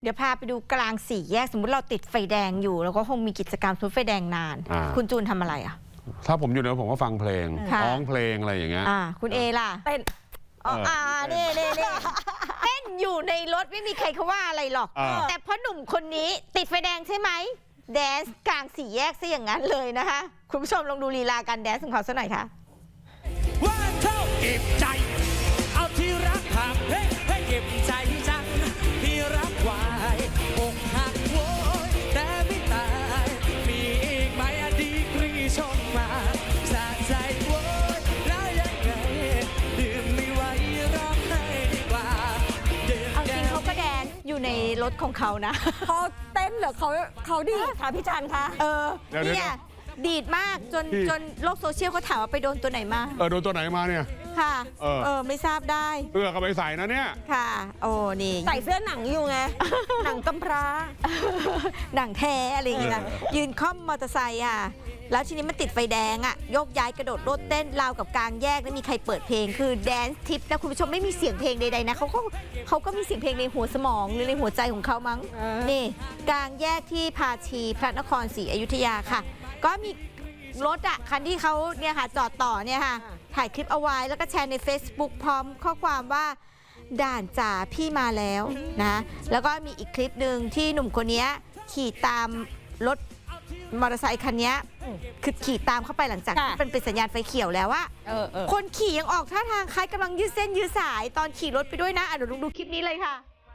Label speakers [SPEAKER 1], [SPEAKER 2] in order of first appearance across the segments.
[SPEAKER 1] เดี๋ยวพาไปดูกลางสี่แยกสมมุติเราติดไฟแดงอยู่แล้วก็คงมีกิจกรรมทุบไฟแดงนาน คุณจูนทำอะไรอ่ะ
[SPEAKER 2] ถ้าผมอยู่เนี่ยผมก็ฟังเพลงร้องเพลงอะไรอย่างเงี้ย
[SPEAKER 1] คุณเอล่ะ
[SPEAKER 3] เต้น
[SPEAKER 1] เน่เต้นอยู่ในรถไม่มีใครเขาว่าอะไรหรอกแต่เพราะหนุ่มคนนี้ติดไฟแดงใช่ไหมแดนซ์กลางสี่แยกซะอย่างนั้นเลยนะคะคุณผู้ชมลองดูลีลาการแดนซ์ของเขาสักหน่อยค่ะ
[SPEAKER 4] ว่าเท่าเก็บใจเอาที่รักหักให้เก็บใจจังที่รักไว้อกหักโวยแต่ไม่ตายมีอีกไหมอดีตรีชมมาสะใจโวยแล้วยังไงดื่มไม่ไหวร้องไห้ดีกว่า
[SPEAKER 1] เอาจริงเขาก็แดนซ์อยู่ในรถของเขานะ
[SPEAKER 3] เขาเต้นเหรอเขาดีค่ะพี่จันคะ
[SPEAKER 1] เนี่ยดีดมากจนโลกโซเชียลเขาถามว่าไปโดนตัวไหนมา
[SPEAKER 2] โดนตัวไหนมาเนี่ย
[SPEAKER 1] ค่ะไม่ทราบได้
[SPEAKER 2] เสื้อก็ไปใส่นะเนี่ย
[SPEAKER 1] ค่ะโอ้นี่
[SPEAKER 3] ใส่เสื้อหนังอยู่ไง หนังกำพร้า
[SPEAKER 1] หนังแท้อะไรอย่างเงี้ยยืนค่อมมอเตอร์ไซค์แล้วทีนี้มันติดไฟแดงโยกย้ายกระโดดโลดเต้นราวกับกลางแยกแล้วมีใครเปิดเพลงคือแดนซ์ทิปนะคุณผู้ชมไม่มีเสียงเพลงใดๆนะเขาก็มีเสียงเพลงในหัวสมองหรือในหัวใจของเขามั้งนี่กลางแยกที่ภาชีพระนครศรีอยุธยาค่ะก็มีรถคันที่เขาเนี่ยค่ะจอดต่อเนี่ยค่ะถ่ายคลิปเอาไว้แล้วก็แชร์ใน Facebook พร้อมข้อความว่าด่านจ่าพี่มาแล้วนะแล้วก็มีอีกคลิปหนึ่งที่หนุ่มคนนี้ขี่ตามรถมอเตอร์ไซค์คันนี้คือขี่ตามเข้าไปหลังจากที่เป็นสัญญาณไฟเขียวแล้วว่าคนขี่ยังออกท่าทางคล้ายกำลังยืดเส้นยืดสายตอนขี่รถไปด้วยนะเดี๋ยวดูคลิปนี้เลยค่ะ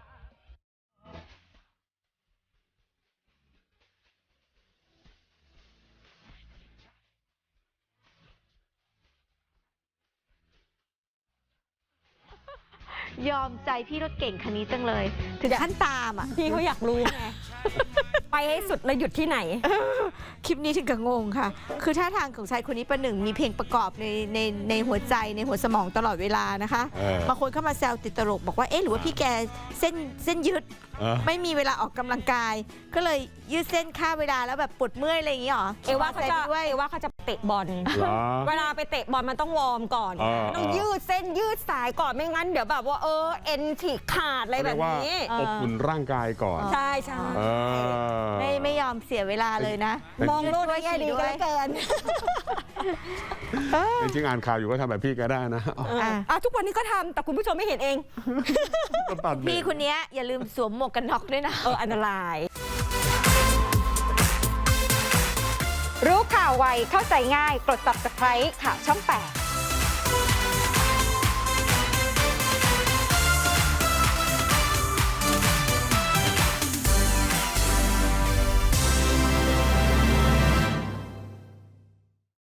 [SPEAKER 1] ยอมใจพี่รถเก่งคันนี้จังเลยถึงขั้นตาม
[SPEAKER 3] พี่เขาอยากรู้ไงไปให้สุดแล้วหยุดที่ไหน
[SPEAKER 1] คลิปนี้ถึงกับงงค่ะคือท่าทางของชายคนนี้ประหนึ่งมีเพลงประกอบในหัวใจในหัวสมองตลอดเวลานะคะบางคนเข้ามาแซวติดตลกบอกว่าหรือว่าพี่แกเส้นยืดไม่มีเวลาออกกำลังกายก็เลยยืดเส้นฆ่าเวลาแล้วแบบปวดเมื่อยอะไรอย่างนี้หรอ
[SPEAKER 3] ว่าเขาจะเตะบอลเวลาไปเตะบอลมันต้องวอร์มก่อนต้องยืดเส้นยืดสายก่อนไม่งั้นเดี๋ยวแบบว่าเอ็นฉีกขาดอะไรแบบนี้
[SPEAKER 2] อบอุ่นร่างกายก่อน
[SPEAKER 3] ใช่
[SPEAKER 1] ไม่ยอมเสียเวลาเลยนะ
[SPEAKER 3] มองโลกได้ดีก็แล้วเกิน
[SPEAKER 2] จริงอ่านข่าวอยู่ก็ทำแบบพี่ก็ได้นะ
[SPEAKER 3] ทุกวันนี้ก็ทำแต่คุณผู้ชมไม่เห็นเอง
[SPEAKER 1] พี่คนนี้อย่าลืมสวมหมวกกันน็อกด้วยนะ
[SPEAKER 3] อันตรายรู้ข่าวไวเข้าใจง่ายกด Subscribe ข่าวช่อง 8